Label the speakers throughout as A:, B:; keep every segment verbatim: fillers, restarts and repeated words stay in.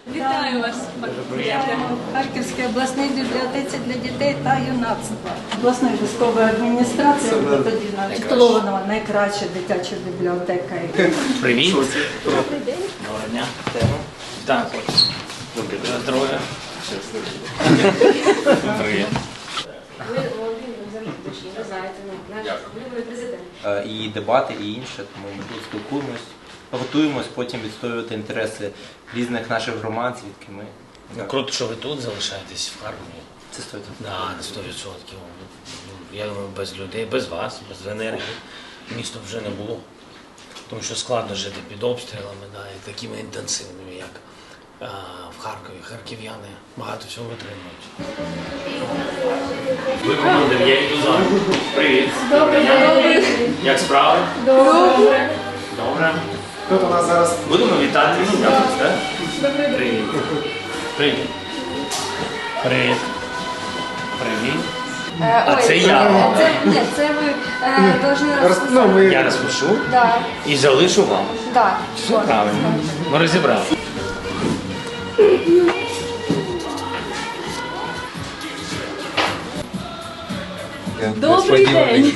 A: Вітаю вас, в Харківській обласній бібліотеці для дітей та юнацтва. Обласної військової адміністрації тоді титулована найкраща дитяча бібліотека.
B: Привіт. Добрий день. Доброго дня. Так, ось. Добрий день. Здоров'я. Привіт.
C: Ви Володимир, ви знаєте, наш виборний президент.
D: І дебати, і інше, тому ми тут спілкуємось, готуємось потім відстоювати інтереси різних наших громад, звідки ми.
B: Ну, круто, що ви тут залишаєтесь в Харкові.
D: Це сто відсотків.
B: Так, на сто відсотків. Я думаю, без людей, без вас, без енергії місто вже не було. Тому що складно жити під обстрілами, да, і такими інтенсивними, як а, в Харкові. Харків'яни багато всього витримують. Ви командир, я йду за. Привіт.
A: Добрий день.
B: Як справи?
A: Добре.
B: Добре.
E: Тут у нас зараз
B: Будемо вітати. Так? Привіт. Привіт. Привіт. Привіт. А
C: Ой,
B: це я.
C: Це, ні, це ви е, повинні
E: роз- ну, ми
B: Я розпишу
C: Да,
B: і залишу вам.
C: да.
B: Все правильно. Ми розібрали.
A: Добрий день.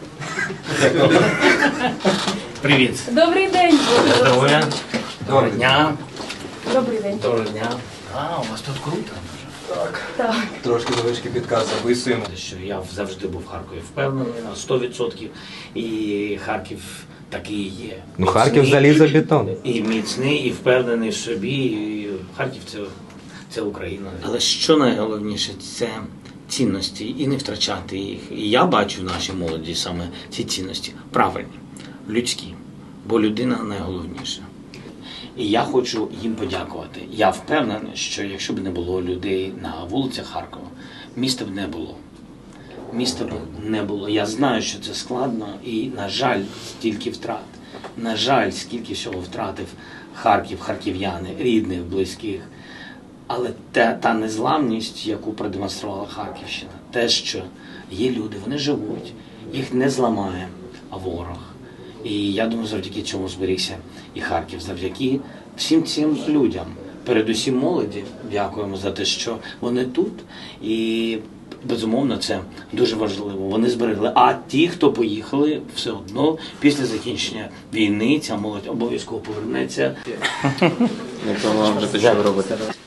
B: Привіт.
A: Добрий день.
B: Здоров'я. Доброго дня.
A: Добрий день.
B: Доброго дня. А, у вас тут круто.
D: Трошки завишки підказ записуємо.
B: Що я завжди був в Харкові впевнений на сто відсотків. І Харків такий і є.
F: Ну, Харків
B: Міцний,
F: залізобетон.
B: І міцний, і впевнений в собі. І Харків це, це Україна. Але що найголовніше, це цінності і не втрачати їх. І я бачу в нашій молоді саме ці цінності правильні, людські, бо людина найголовніша. І я хочу їм подякувати. Я впевнений, що якщо б не було людей на вулицях Харкова, міста б не було. Міста б не було. Я знаю, що це складно і, на жаль, стільки втрат. На жаль, скільки всього втратив Харків, харків'яни, рідних, близьких. Але та, та незламність, яку продемонструвала Харківщина, те, що є люди, вони живуть, їх не зламає ворог. І я думаю, завдяки цьому зберігся і Харків, завдяки всім цим людям. Передусім молоді, дякуємо за те, що вони тут. І, безумовно, це дуже важливо. Вони зберегли. А ті, хто поїхали, все одно, після закінчення війни, ця молодь обов'язково повернеться.
F: Якщо вам вже те, що ви робите.